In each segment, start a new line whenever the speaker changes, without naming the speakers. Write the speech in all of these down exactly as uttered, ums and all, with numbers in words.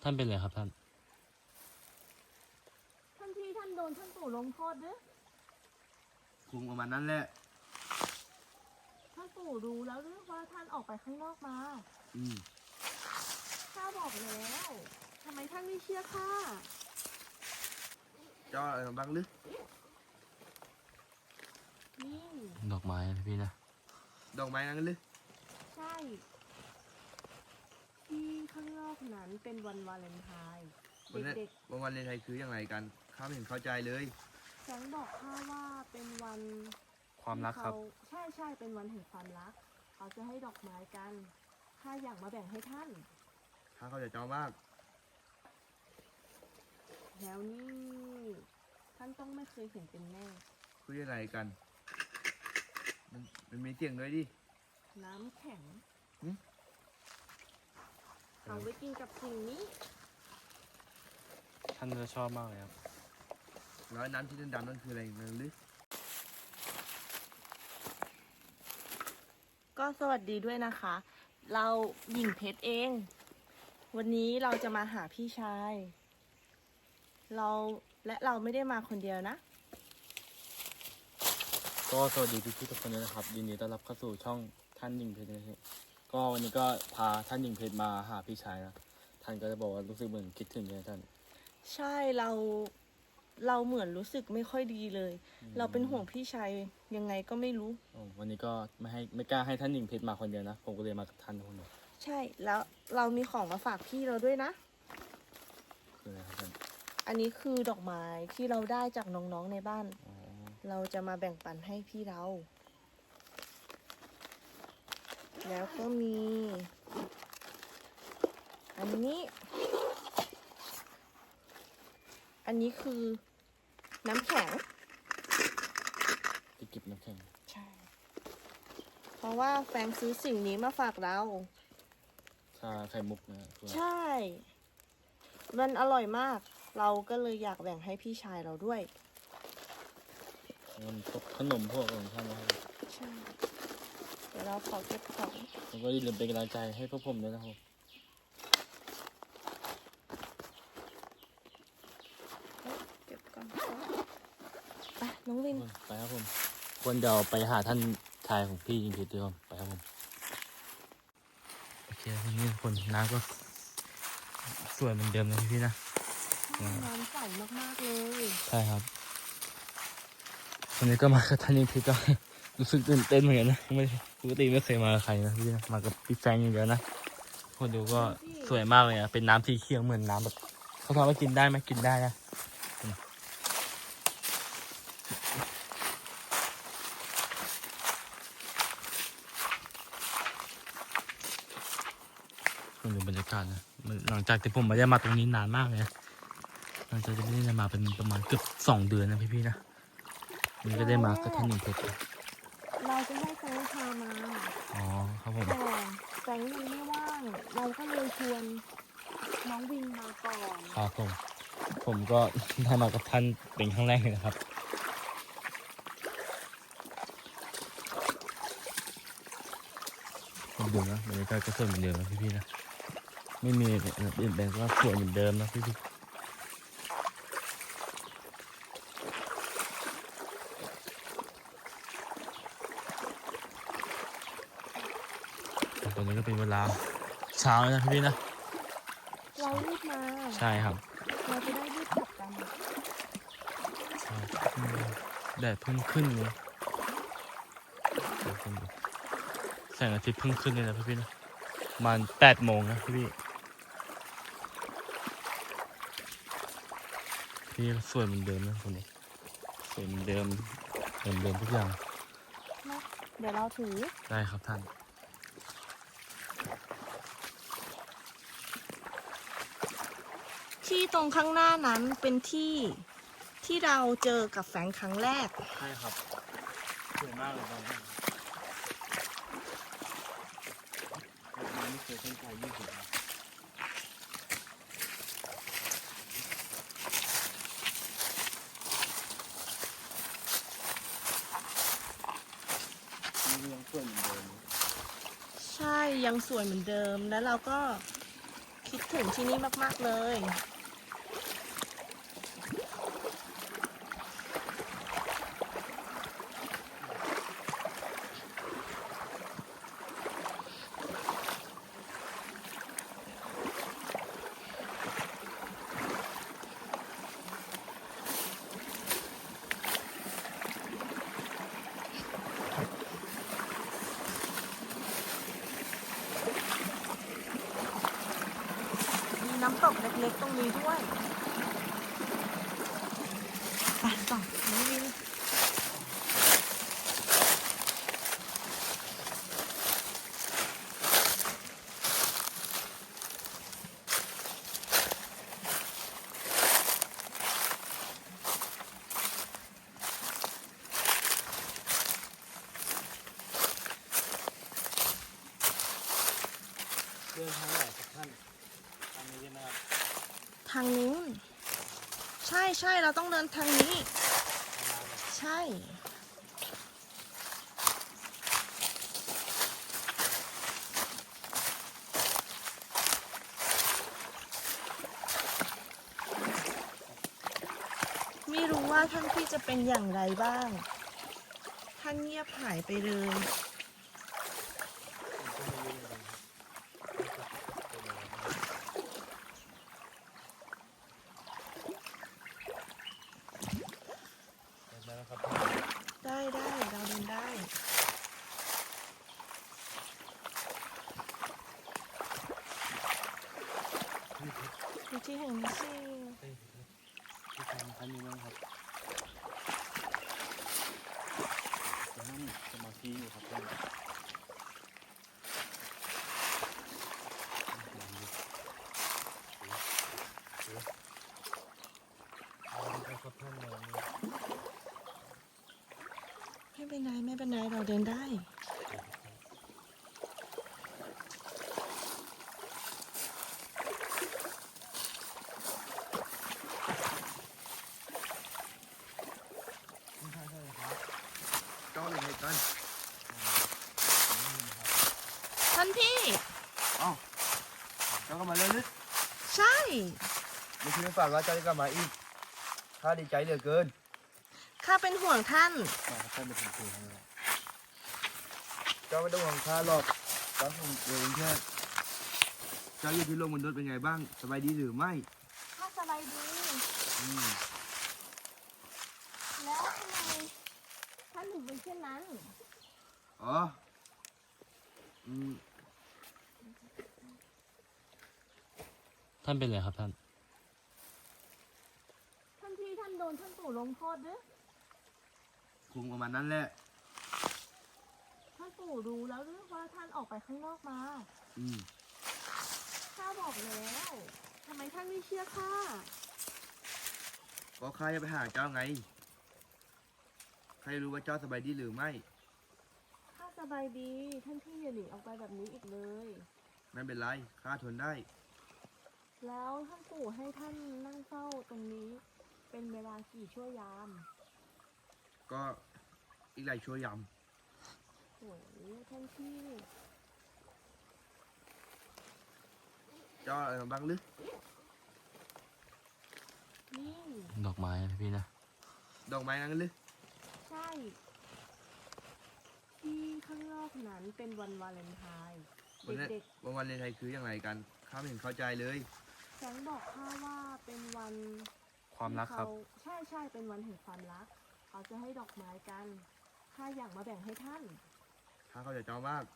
านเป็นไรครับท่าน
ท่านพี่ท่านโดนท่านปู่ลงโทษด้วย
คงประมาณนั้นแหละ
ท่านปู่รู้แล้วหรือว่าท่านออกไปข้างนอกมา
อืม
ข้าบอกแล้วทำไมท่านไม่เชื่อข้า
เจ้าอะไรบ้างหรือ
นี่
ดอกไม้นะพี่นะ
ดอกไม้นั่นหรือ
ใช่ที่ข้างนอกนั้นเป็นวันวาเลนไทน์เด็ก
ๆวันวาเลนไทน์คืออย่างไรกันข้าไม่เห็นเข้าใจเลย
แสงบอกข้าว่าเป็นวัน
ความรักครับ
ใช่ใช่เป็นวันแห่งความรักเขาจะให้ดอกไม้กันข้าอยากมาแบ่งให้ท่าน
ข้าเข้าใจเจ้ามาก
แล้วนี่ท่านต้องไม่เคยเห็นเป็นแน่
คุยอะไรกันมันมันมีเสียงด้วยดิ
น้ำแข็งเอาไว้กินกับสิ่งนี้
ท่านจะชอบมากเลยครับ
แล้วน้ำที่ดำๆนั่นคืออะไรนั่นหรือ
ก็สวัสดีด้วยนะคะ เราหญิงเพชรเอง วันนี้เราจะมาหาพี่ชายเราและเราไม่ได้มาคนเดียวนะ
ก็สวัสดีพี่ๆทุกคนด้วยนะครับยินดีต้อนรับเข้าสู่ช่องท่านหญิงเพชรนะครับก็วันนี้ก็พาท่านหญิงเพชรมาหาพี่ชายนะท่านก็จะบอกว่ารู้สึกเหมือนคิดถึงเลยท่าน
ใช่เราเราเหมือนรู้สึกไม่ค่อยดีเลยเราเป็นห่วงพี่ชายยังไงก็ไม่รู้
วันนี้ก็ไม่ให้ไม่กล้าให้ท่านหญิงเพชรมาคนเดียวนะผมก็เลยมากับท่านคนเดียว
ใช่แล้วเรามีของมาฝากพี่เราด้วยนะ
คืออะไรครับท่าน
อันนี้คือดอกไม้ที่เราได้จากน้องๆในบ้านเราจะมาแบ่งปันให้พี่เราแล้วก็มีอันนี้อันนี้คือน้ำแข็ง
ที่เก็บน้ำแข็ง
ใช่เพราะว่าแฟงซื้อสิ่งนี้มาฝากเรา
ชาไข่มุกนะ
ใช่มันอร่อยมากเราก็เลยอยากแบ่งให้พี่ชายเราด้วย
มันพวกขนมพวกของท่านนะครับ
ใช่เดี๋ยวเราขอเก็บของ
แล้วก็อย่าลืมเป็นกำลังใจให้พวกผมด้วยนะครับ
เก็บก่อนไปน้องวิน
ไปครับผมควรเดี๋ยวไปหาท่านชายของพี่จริงๆด้วยไปครับผมโอเควันนี้คนน้ำก็สวยเหมือนเดิมนะพี่นะ
น้ำใสมากๆเลย
ใช่ครับวันนี้ก็มากับท่านนิพิก็รู้สึกตื่นเต้นเหมือนกันนะไม่ปกติไม่เคยมากับใครนะพี่นะมากับพี่แฟงอย่างเดียวนะคนดูก็สวยมากเลยนะเป็นน้ำสีเขียวเหมือนน้ำแบบเขาถามว่ากินได้ไหมกินได้นะคนดูบรรยากาศนะหลังจากที่ผมไม่ได้มาตรงนี้นานมากเลยนะหลังจากที่ไม่ได้มาเป็นประมาณเกือบสองเดือนนะพี่ๆนะนี่ก็ได้มากับท่านหญิงเพชร
เราจะให้แฟงพามา
อ๋อครับผม
แต่แฟงยังไม่ว่างเราก็เลยชวนน้องวินมาก่อน
ครับผมผมก็ได้มากับท่านเป็นครั้งแรกเลยนะครับผมดูนะบรรยากาศก็สวยเหมือนเดิมนะพี่ๆนะไม่มีเปลี่ยนแปลงก็สวยเหมือนเดิมนะพี่ๆตอนนี้ก็เป็นเวลาเช้านะพี่นะ
เรารีบมา
ใช่ครับ
เราจะได้รีบกลับกัน
ใช่แดดเพิ่งขึ้นเลยแสงอาทิตย์เพิ่งขึ้นเลยนะพี่ๆนะประมาณแปดโมงนะพี่พี่สวยเหมือนเดิมนะคนนี้สวยเหมือนเดิมเหมือนเดิมทุกอย่าง
เดี๋ยวเราถือ
ได้ครับท่าน
ที่ตรงข้างหน้านั้นเป็นที่ที่เราเจอกับแฟงครั้งแรก
ใช่ครับสวยมากเลยครับไม่เคยเส้นใจยี่สิบยังสวยเหมือนเดิม
ใช่ยังสวยเหมือนเดิมแล้วเราก็คิดคิดถึงที่นี่มากๆเลย มีน้ำตกเล็กๆตรงนี้ด้วยไปต่อน้องวิน
เดินทางไหนครับท่านทางนี้ใช่ไหมครับ
ทางนู้นใช่ใช่เราต้องเดินทางนี้ ใช่ ไม่รู้ว่าท่านพี่จะเป็นอย่างไรบ้าง ท่านเงียบหายไปเลย
ได้แล้วครับ
ได้ได้เราเดินได้ ดูที่แห่งนี้สิ
เฮ้ยที่ทางท่านนี้มั้งครับจะนั่งสมาธิอยู่ครับท่านเอาละครับท่านนอน
ไม่เป็นไรไม่เป็นไรเราเดินได้
ไม่ใช่ใช่ครับ
เจ้าเป็นไงกัน
ท่านพี่
เอ้าเจ้าก็มาเลยนึก
ใช่
ไม่คิดไม่ฝันว่าเจ้าจะกลับมาอีกข้าดีใจเหลือเกิน
ข้าเป็นห่วงท่าน
มาครับท่านเป็นคนคุยให้เรา
เจ้าไม่ต้องห่วงข้าหรอกตอนผมเองแค่เจ้าอยู่ที่โลกมนุษย์เป็นไงบ้างสบายดีหรือไม่
ข้าสบายดี
อืม
แล้วทำไมท่านถึงเป็นเช่นนั้น
อ๋ออืม
ท่านเป็นอะไรครับท่าน
ท่านพี่ท่านโดนท่านปู่ลงโทษด้วย
คงประมาณนั้นแหละ
ท่านปู่รู้แล้วหรือว่าท่านออกไปข้างนอกมา
อืม
ข้าบอกแล้วทำไมท่านไม่เชื่อข้า
ก็ข้าจะไปหาเจ้าไงใครรู้ว่าเจ้าสบายดีหรือไม่
ข้าสบายดี ท่านพี่อย่าหนีออกไปแบบนี้อีกเลย
ไม่เป็นไรข้าทนได้
แล้วท่านปู่ให้ท่านนั่งเฝ้าตรงนี้ เป็นเวลากี่ชั่วยาม
ก็อีกหลายชั่วยาม
โอ้โหท่านพี่
เจ้าอะไรมาบ้างหรือ
นี่
ดอกไม้นะพี่นะ
ดอกไม้นั้นหรือ
ใช่ ที่ข้างนอกนั้นเป็นวันวาเลนไทน์
วันนี้
เด็ก
วันวันเลนไทยคืออย่างไรกันข้าไม่เห็นเข้าใจเลย
ๆแสงบอกข้าว่าเป็นวัน
ความรักครับ
ที่เขาใช่ใช่เป็นวันแห่งความรัก เขาจะให้ดอกไม้กัน ข้าอยากมาแบ่งให้ท่าน
ข้าเข้าใจเจ้ามาก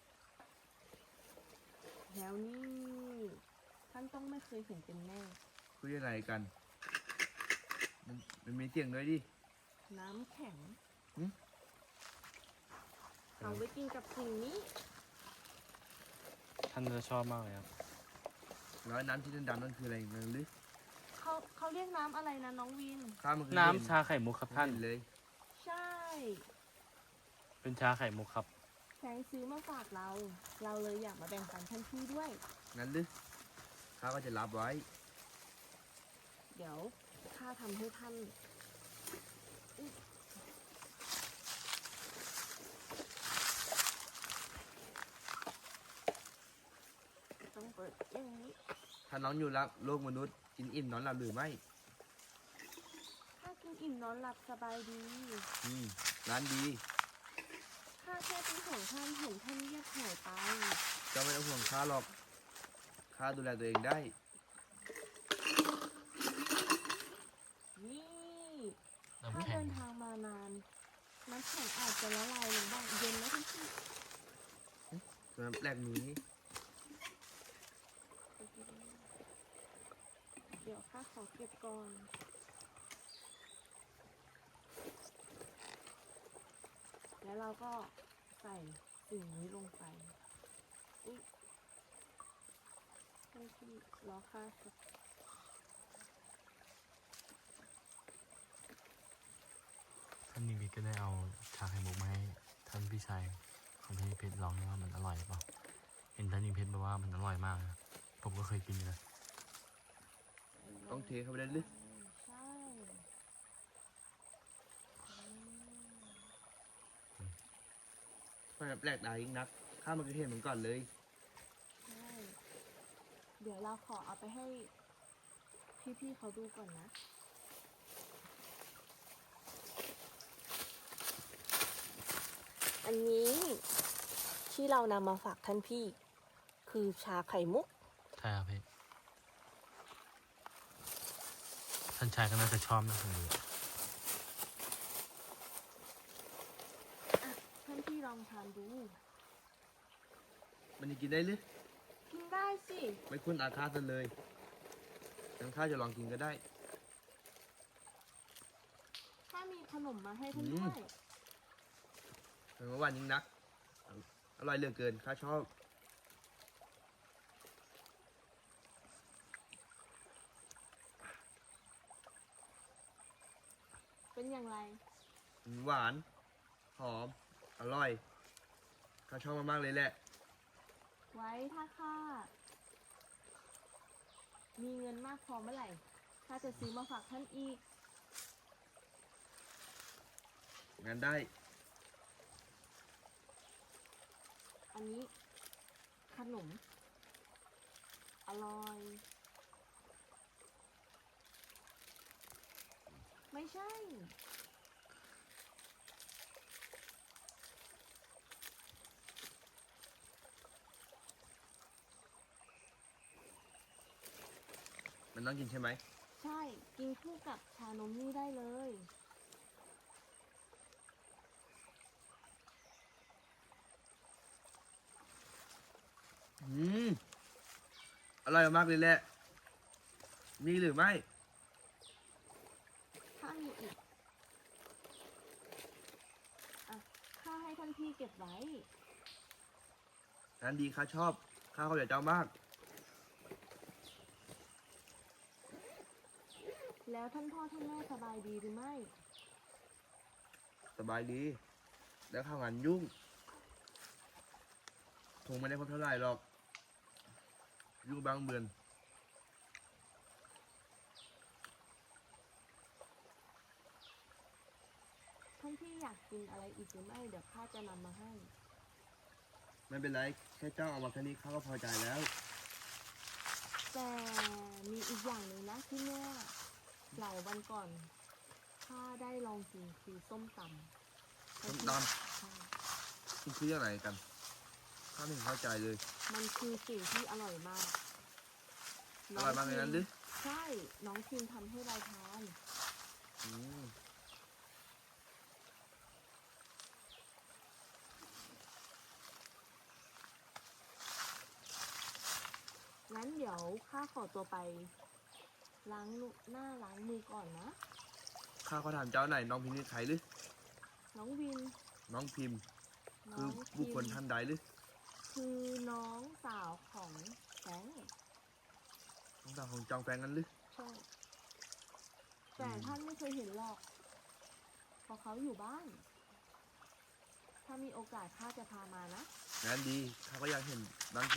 แล้วนี่ท่านต้องไม่เคยเห็นเป็นแน่
คืออย่างไรกัน มันมันมีเสียงด้วยดิ
น้ำแข็ง
หึ
เอาไว้กินกับสิ่งนี้
ท่านจะชอบมากเลยครับ
แล้วน้ำที่ดำๆนั่นคืออะไรนั่นหรือ
เขาเขาเรียกน้ำอะไรนะน้องวิน
ข้ามันเคย
น้ำ
เห็น
ชาไข่มุกครับท่าน
เห็เลย
ใช่
เป็นชาไข่มุกครับ
แสงซื้อมาฝากเรา เราเลยอยากมาแบ่งปันท่านพี่ด้วย
งั้นหรือข้าก็จะรับไว้
เดี๋ยวข้าทำให้ท่านอุ๊ยต้องเปิดอย่างนี้
ถ้าน้องอยู่รับโลกมนุษย์กินอิ่มนอนหลับหรือไม่
ข้ากินอิ่มนอนหลับสบายดี
อืมร้านดี
ข้าแค่เป็นห่วงท่านเห็นท่านเงียบหายไป
เจ้าไม่ต้องห่วงข้าหรอกข้าดูแลตัวเองได้
นี่
น้ำ
ถ้า
แข็
เดิ
ง
นทางมานาน น้ำแข็งอาจจะละลายลงบ้างเย็นไหมท่านพี่
ส่วนแปลกนี้
เดี๋ยวข้าขอเก็บก่อน แล้วเราก็ใส่สิ่งนี้ลงไป อุ๊ยท่านพี่รอข้าสัก
ท่านนิวิทก็ได้เอาชาไข่มุกมาให้ท่านพี่ชายของท่านนิเพชรลองว่ามันอร่อยหรือเปล่าเห็นท่านนิเพชรบอกว่ามันอร่อยมากนะผมก็เคยกินอยู่นะ
ต้องเทเข้าไปได้หรือ
ใช่อืม
ไม่แปลกตายิ่งนักข้ามันก็เห็นเหมือนก่อนเลย
ใช่ เดี๋ยวเราขอเอาไปให้พี่ๆเขาดูก่อนนะ อันนี้ที่เรานำมาฝากท่านพี่ คือชาไข่มุก
ใช่ครับพี่ท่านชายก็น่าจะชอบนะผมดู
อ่ะ ท่านพี่ลองทานดู
มันจะกินได้หรือ
กินได้สิ
ไม่คุ้นอาฆาตกันเลยงั้นข้าจะลองกินก็ได้
ถ้ามีขนมมาให้ท่าน
อื
ด้
ม
วย
เป็นเมื่อวานยิ่งนัก อร่อยเหลือเกินข้าชอบ
เป็นอย่างไร
หวาน หอม อร่อยข้าชอบมากๆเลยแหละ
ไว้ถ้าข้ามีเงินมากพอเมื่อไหร่ข้าจะซื้อมาฝากท่านอีก
งั้นได้
อันนี้ขนม อร่อย ไม่ใช่
มันต้องกินใช่ไหม
ใช่ กินคู่กับชานมนี่ได้เลย
อืม อร่อยมากเลยแหละ มีหรือไม่
ถ้ามีอีก อ่ะ ข้าให้ท่านพี่เก็บไว้
งั้นดีข้าชอบ ข้าเข้าใจเจ้ามาก
แล้วท่านพ่อท่านแม่สบายดีหรือไม่
สบายดี แล้วข้าวงานยุ่งคงไม่ได้พบเท่าไหร่หรอก ยุ่งบางเบือน
ท่านพี่อยากกินอะไรอีกหรือไม่ เดี๋ยวข้าจะนำมาให้
ไม่เป็นไร แค่เจ้าเอามาแค่นี้ข้าก็พอใจแล้ว
แต่มีอีกอย่างหนึ่งนะที่เมื่อหลายวันก่อนข้าได้ลองกินคือส้มตำ
ส้มต
ใช่
มันคืออะไรกัน ข้าไม่เห็นเข้าใจเลย
มันคือสิ่งที่อร่อยมาก
อร่อยมากเลยนั้นหรือ
ใช่ น้องพิมทำให้เราทาน
อืม
งั้นเดี๋ยวข้าขอตัวไป ล้างหน้าล้างมือก่อนนะ
ข้าขอถามเจ้าหน่อยน้องพิมพ์นี่ใครหรือ
น้องวิน
น้องพิมพ์
น้
คือ
อง
บุคคล
พิม
ท่านใดหรือ
คือน้องสาวของแฟรงค์
น้องสาวของจองแฟงนั้นหรือ
ใช่ แต่ท่านไม่เคยเห็นหรอก เพราะเขาอยู่บ้าน ถ้ามีโอกาสข้าจะพามานะ
งั้นดี ข้าก็อยากเห็นบางสิ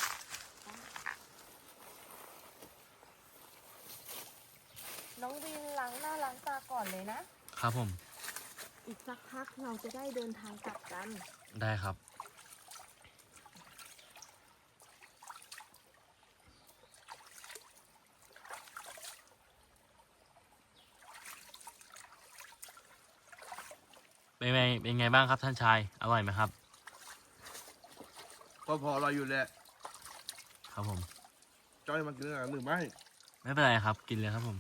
น้องวินล้างหน้าล้างตาก่อนเลยนะ
ครับผม
อีกสักพักเราจะได้เดินทางกลับกัน
ได้ครับเป็นไงเป็นไงบ้างครับท่านชายอร่อยไหมครับ
ก็พอเราอยู่แหละ
ครับผม
จ้อยมากินกันหรือไม่
ไม่เป็นไรครับกินเลยครับผม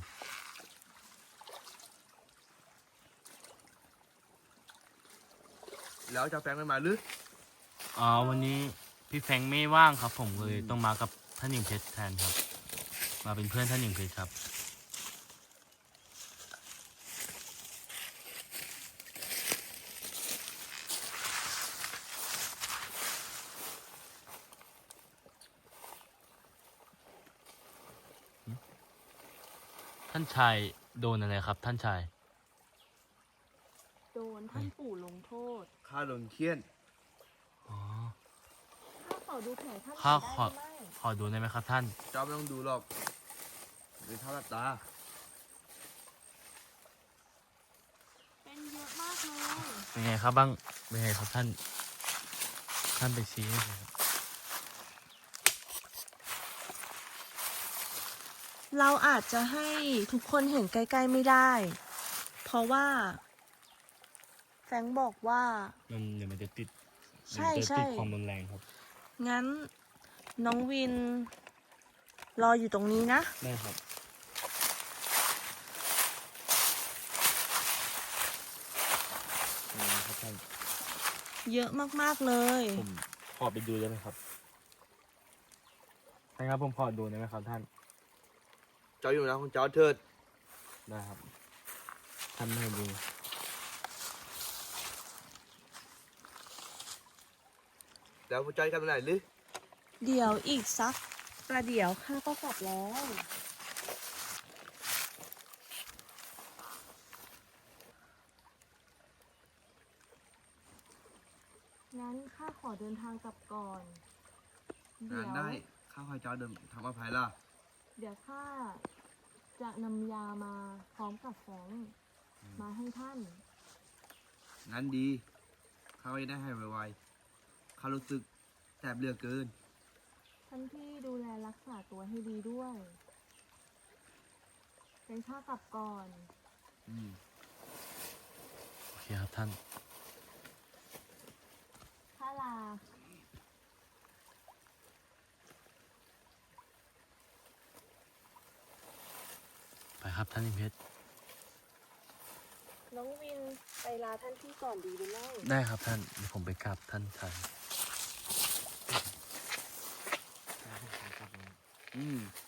แล้วจะแฟงไม่มาหรือ
อ๋อวันนี้พี่แฟรงค์ไม่ว่างครับ ผมเลย
อืม
ต้องมากับท่านหญิงเพชรแทนครับ มาเป็นเพื่อนท่านหญิงเพชรครับ ท่านชายโดนอะไรครับ ท่านชาย
โดนท่านปู่ลงโทษ
ข้าโดนเคี่ยน
อ๋อ
ข้าขอดูแผลท่าน
ข้า
ได้
ขอ
หรือไม่
ขอดูได้ไหมครับท่าน
เจ้าไม่ต้องดูหรอกเป็นเท่าลับตา
เป็นเยอะมากเลย
เป็นไงครับบ้างเป็นไงครับท่าน ท่านไปชี้ให้ผมครับ
เราอาจจะให้ทุกคนเห็นใกล้ๆไม่ได้ เพราะว่า แฟรงค์บอกว่า
มันเดี๋ยวมันจะติด
ใช่
เดี๋ยวมันจะ
ใช่
ติดความรุนแรงครับ
งั้นน้องวิน รออยู่ตรงนี้นะ
ได้ครับนี่นะครับท่าน
เยอะมากๆเลย
ผมขอไปดูได้ไหมครับท่านครับผมขอดูได้ไหมครับท่าน
เจ้าอยู่นะของเจ้าเถิด
ได้ครับ ท่านไม่ให้ดู
แล้วผู้จ้อยกันไปไหนหรือ
เดี๋ยวอีกสักประเดี๋ยวข้าก็กลับแล้ว งั้นข้าขอเดินทางกลับก่อน เดี๋
งาน
ยว
ได้ ข้าขอให้เจ้าเดินทำอภัยล่ะ
เดี๋ยวข้าจะนำยามาพร้อมกับแฟรงค์มาให้ท่าน
งั้นดี ข้าก็จะได้ให้ไวๆข้ารู้สึกแสบเหลือเกิน
ท่านพี่ดูแลรักษาตัวให้ดีด้วย เป็นข้ากลับก่อน
อืม
โอเคครับท่าน
ข้าลา
ไปครับท่านอิมเพชร
น้องวินไปลาท่านพี่ก่อนดีหรือไม่
ได้ครับท่านเดี๋ยวผมไปกราบท่านชาย
อืม